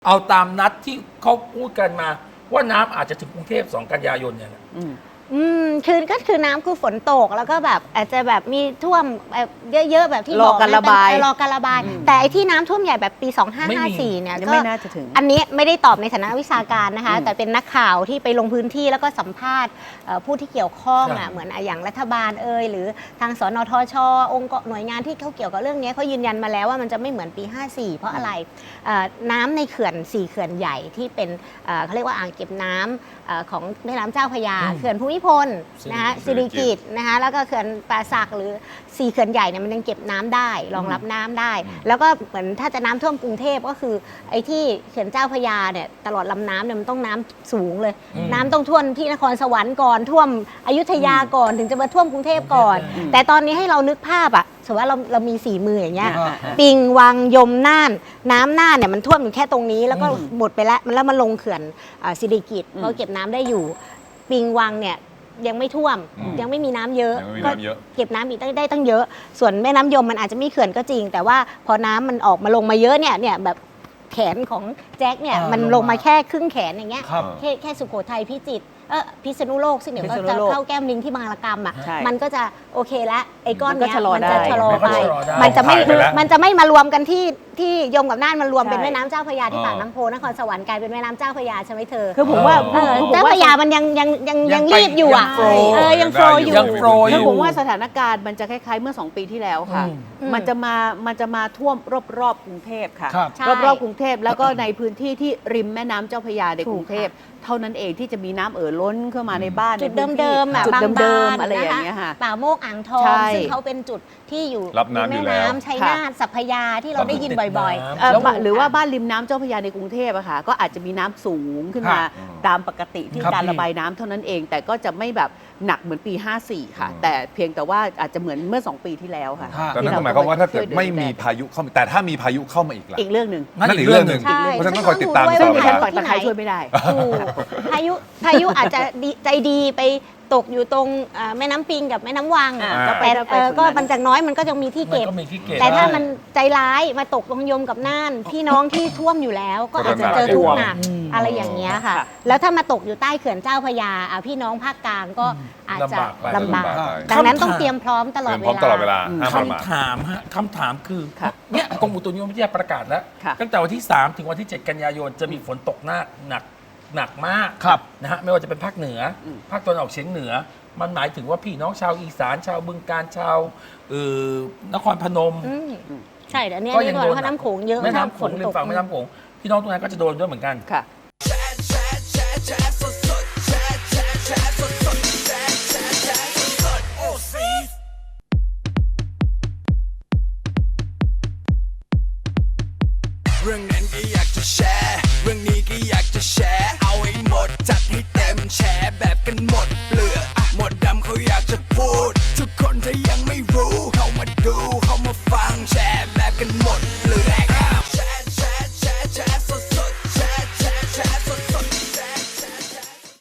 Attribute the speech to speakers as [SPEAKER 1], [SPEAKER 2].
[SPEAKER 1] เอาตามนัดที่เขาพูดกันมาว่าน้ำอาจจะถึงกรุงเทพ2 กันยายนเนี่ย
[SPEAKER 2] ก็คือน้ำคือฝนตกแล้วก็แบบอาจจะแบบมีท่วมเยอะๆแบบที่บอก
[SPEAKER 3] รอการระบาย
[SPEAKER 2] รอการระบาย แต่ไอ้ที่น้ำท่วมใหญ่แบบปี 2554 เนี่ยก็
[SPEAKER 3] ไม่น่าจะถึง
[SPEAKER 2] อันนี้ไม่ได้ตอบในฐานะวิชาการนะคะแต่เป็นนักข่าวที่ไปลงพื้นที่แล้วก็สัมภาษณ์ผู้ที่เกี่ยวข้องเหมือนอย่างรัฐบาลหรือทางสนทชองค์หน่วยงานที่เขาเกี่ยวกับเรื่องนี้เขายืนยันมาแล้วว่ามันจะไม่เหมือนปี 54 เพราะอะไรน้ำในเขื่อน4 เขื่อนใหญ่ที่เป็นเขาเรียกว่าอ่างเก็บน้ำของแม่น้ำเจ้าพระยาเขื่อนภูมิพลนะคะสิริกิติ์นะคะแล้วก็เขื่อนป่าสักหรือ4 เขื่อนใหญ่เนี่ยมันยังเก็บน้ำได้รองรับน้ำได้แล้วก็เหมือนถ้าจะน้ำท่วมกรุงเทพก็คือไอ้ที่เขื่อนเจ้าพระยาเนี่ยตลอดลำน้ำเนี่ยมันต้องน้ำสูงเลยน้ำต้องท่วมที่นครสวรรค์ก่อนท่วมอยุธยาก่อนถึงจะมาท่วมกรุงเทพก่อนแต่ตอนนี้ให้เรานึกภาพอะสมมติว่าเรามี4 มืออย่างเงี้ยปิงวังยมน่านน้ำน่านเนี่ยมันท่วมอยู่แค่ตรงนี้แล้วก็หมดไปแล้วมันลงเขื่อนสิริกิติ์เพราะเก็บน้ำได้อยู่ปิงวังเนี่ยยังไม่ท่วมยังไม่มีน้ำเยอะก็เก็บน้ำอีกได้ตั้งเยอะส่วนแม่น้ำยมมันอาจจะมีเขื่อนก็จริงแต่ว่าพอน้ำมันออกมาลงมาเยอะเนี่ยแบบแขนของแจ็คเนี่ยมันลงมาแค่ครึ่งแขนอย่างเงี้ยแค่สุโขทัยพิจิตรพิษณุโลกซึ่งเดี๋ยวก็จะเข้าแก้มลิงที่บางระกำอ่ะมันก็จะโอเคแล้วไอ้ก้อนเนี้ยมันจะชะลอไปมันจะไม่มารวมกันที่ยมกับน่านมันรวมเป็นแม่น้ำเจ้าพระยาที่ปากน้ำโพนครสวรรค์กลายเป็นแม่น้ำเจ้าพระยาใช่ไหมเธอ
[SPEAKER 3] คือผมว่า
[SPEAKER 2] เจ้าพระยามันยังรีบอยู่อ่ะยังโฟลอยู่
[SPEAKER 3] คือผมว่าสถานการณ์มันจะคล้ายๆเมื่อ2 ปีที่แล้วค่ะมันจะมาท่วมรอบๆกรุงเทพค่ะรอบๆกรุงเทพแล้วก็ในพื้นที่ที่ริมแม่น้ำเจ้าพระยาในกรุงเทพเท่านั้นเองที่จะมีน้ำล้นเข้ามาในบ้าน
[SPEAKER 2] จุดเดิมๆ
[SPEAKER 3] จุดเดิม
[SPEAKER 2] ๆ
[SPEAKER 3] อะไรอย่างเงี้ยค่ะ
[SPEAKER 2] ป่าโมกอ่างทองซึ่งเขาเป็นจุดที่อยู่แม่น้ำชัยนาทสัพพยาที่เราได้ยินบ่อย
[SPEAKER 3] ๆหรือว่าบ้านริมน้ำเจ้าพระยาในกรุงเทพอะค่ะก็อาจจะมีน้ำสูงขึ้นมาตามปกติที่การระบายน้ำเท่านั้นเองแต่ก็จะไม่แบบหนักเหมือนปี 54 ค่ะแต่เพียงแต่ว่าอาจจะเหมือนเมื่อ2 ปีที่แล้วค่ะ
[SPEAKER 4] แต่นั่นหมายความว่าถ้าเกิดไม่มีพายุเข้ามาแต่ถ้ามีพายุเข้ามาอีกล่ะ
[SPEAKER 3] อีกเรื่องหนึ่ง
[SPEAKER 4] นั่นอีกเรื่องหนึ่งเพราะฉะนั้นต้องคอยติดตาม
[SPEAKER 3] ซึ่งดิฉันปักตะไคร้ช่วยไม่ได้
[SPEAKER 2] พายุอาจจะใจดีไปตกอยู่ตรงแม่น้ำปิงกับแม่น้ำวังแต่ก็มันจากน้อยมันก็จะมีที่เก็บแต่ถ้ามันใจร้ายมาตกตรงยมกับน่านพี่น้องที่ท่วมอยู่แล้วก็อาจจะเจอทุกข์หนักอะไรอย่างเงี้ยค่ะแล้วถ้ามาตกอยู่ใต้เขื่อนเจ้าพระยาพี่น้องภาคกลางก็อาจจะลำบากดังนั้นต้องเตรียมพร้อมตลอดเวลา
[SPEAKER 1] คำถามคือเนี่ยกรมอุตุนิยมวิทยาประกาศแล้วตั้งแต่วันที่3ถึงวันที่7 กันยายนจะมีฝนตกหนักมากนะฮะไม่ว่าจะเป็นภาคเหนือภาคตะวันออกเฉียงเหนือมันหมายถึงว่าพี่น้องชาวอีสานชาวบึงกาฬชาวนครพนม
[SPEAKER 2] ใช่แต่อันนี้ก็ยังโดนน้ำโขงเยอะ
[SPEAKER 1] แม่น้ำโขงริมฝั่งแม่น้ำโขงพี่น้องตรงนั้นก็จะโดนด้วยเหมือนกัน